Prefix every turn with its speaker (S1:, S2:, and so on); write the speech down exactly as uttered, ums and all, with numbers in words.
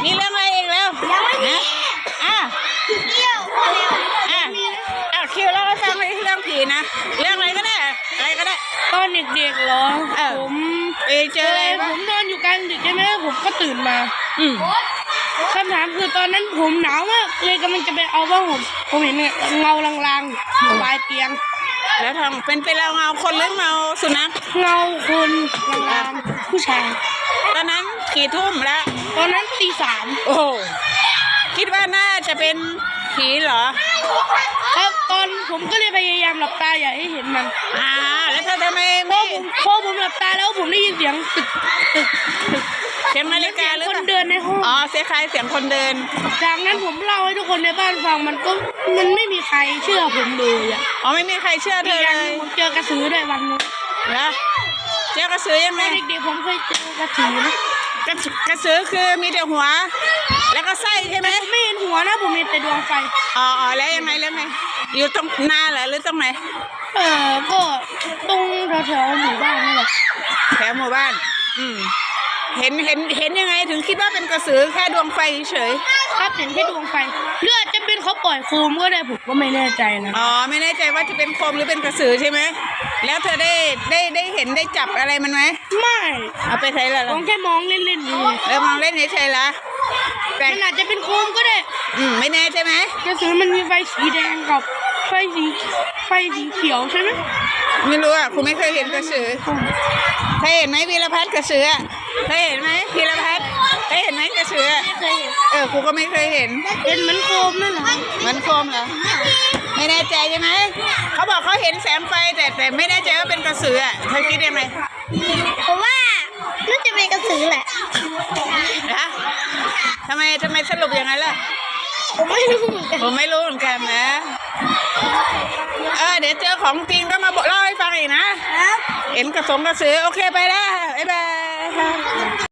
S1: มีเรื่องอะไรอีกแล้ว
S2: ยังไม่มี
S1: นะอ่ะ
S2: เที่ยวพอแล้ว
S1: อ่ะอ่ะคิวเล่าให้ฟังเลยเรื่องผีนะเรื่องอะไรก็ได้อะไรก็ได้
S3: ตอนเด็กๆเหรอ
S1: เออ
S3: ผม
S1: ไปเจออะไร
S3: ผ
S1: บ้าง
S3: มนอนอยู่กลางดึกใช่ไหมผมก็ตื่นมา
S1: อืม
S3: คำถามคือตอนนั้นผมหนาวมากเลยกำลังจะไปเอาผ้าห่มผมเห็นเนี่ยเงาลางๆอยู่ปลายเตียง
S1: แล้วทำเป็นเป็นเราเงาคนหรือเงาสุนัข
S3: เงาคนลางๆผู้ชาย
S1: ตอนนั้นกี่ทุ่มแล้ว
S3: ตอนนั้นตีสาม
S1: โอ้คิดว่าน่าจะเป็นผีเหรอ
S3: ครับตอนผมก็เลยพยายามหลับตาอย่าให้เห็นมัน
S1: อ่าแล้วเธอทำไม
S3: พอ
S1: ไม่
S3: ผมพอผมหลับตาแล้วผมได้ยินเสียงตึกตึกตึก
S1: เสียงนาฬิกาหรือ
S3: ค
S1: เป
S3: น
S1: ล่า
S3: เดินในห้อง
S1: อ๋อเสียงใครเสียงคนเดิน
S3: จากนั้นผมเล่าให้ทุกคนในบ้านฟังมันก็มันไม่มีใครเชื่อผมเลยอ่ะ
S1: อ๋อไม่มีใครเชื่อเธ
S3: อีก
S1: อ
S3: อย่าง
S1: เล
S3: หนึ
S1: ย
S3: งผมเจอกระสือด้วยวันนึง
S1: แล้วเจ้ากระสือยัง
S3: ต
S1: ไง
S3: อนเด็กๆผมเคยเจอกระสือนะ
S1: กระกระสือคือมีแต่หัว แล้วก็ไส้ใช่ไหม
S3: ผมไม่เห็นหัวนะผมเห็นแต่ดวงไฟ
S1: อ๋ออ๋อแล้วยังไงแล้วไงอยู่ตรงหน้าเหรอหรือตรงไหน
S3: เออก็ตรงแถวๆหมู่บ้านนี่แหละ
S1: แถวหมู่บ้าน อืมเห็นเห็นเห็นยังไงถึงคิดว่าเป็นกระสือแค่ดวงไฟเฉย
S3: ครับเห็นแค่ดวงไฟหรืออาจจะเป็นเขาปล่อยโคมก็ได้ผมก็ไม่แน่ใจนะ
S1: อ๋อไม่แน่ใจว่าจะเป็นโคมหรือเป็นกระสือใช่ไหมแล้วเธอได้ได้ได้เห็นได้จับอะไรมันไหม
S3: ไม่
S1: เอาไปใช้ละ
S3: ผมแค่มองเล่นๆนี่
S1: แล้วมองเล่นเฉยๆละแต่
S3: มันอาจจะเป็นโคมก็ได้
S1: อืมไม่แน่ใช่ไหม
S3: กระสือมันมีไฟสีแดงกับไฟสีไฟสีเขียวใช่ไหม
S1: ไม่รู้อ่ะคุณไม่เคยเห็นกระสือเคยเห็นไหมวีรพัฒน์กระสืออ่ะเคยเห็นไหมวีรพัฒน์เคยเห็นไหมกระสืออ่ะ
S3: ไม่เคยเห็น
S1: เออครูก็ไม่เคยเห็น
S3: เป็นเหมือนโคมนั่นแหละ
S1: มันโคมเหรอไม่แน่ใจใช่ไหมเขาบอกเขาเห็นแสงไฟแต่แต่ไม่แน่ใจว่าเป็นกระสืออ่ะเธอคิดยังไง
S2: ผมว่าน่าจะเป็นกระสือแหละ
S1: นะทำไมทำไมสรุปอย่างนั้นล่ะ
S2: ผมไม่รู้เหมือนกัน
S1: ผมไม่รู้เหมือนกันนะเออเดี๋ยวเจอของจริงก็มาบอกเล่าให้ฟังอีกนะครับ เห็นกระสงกระสือโอเคไปแล้วบ๊ายบาย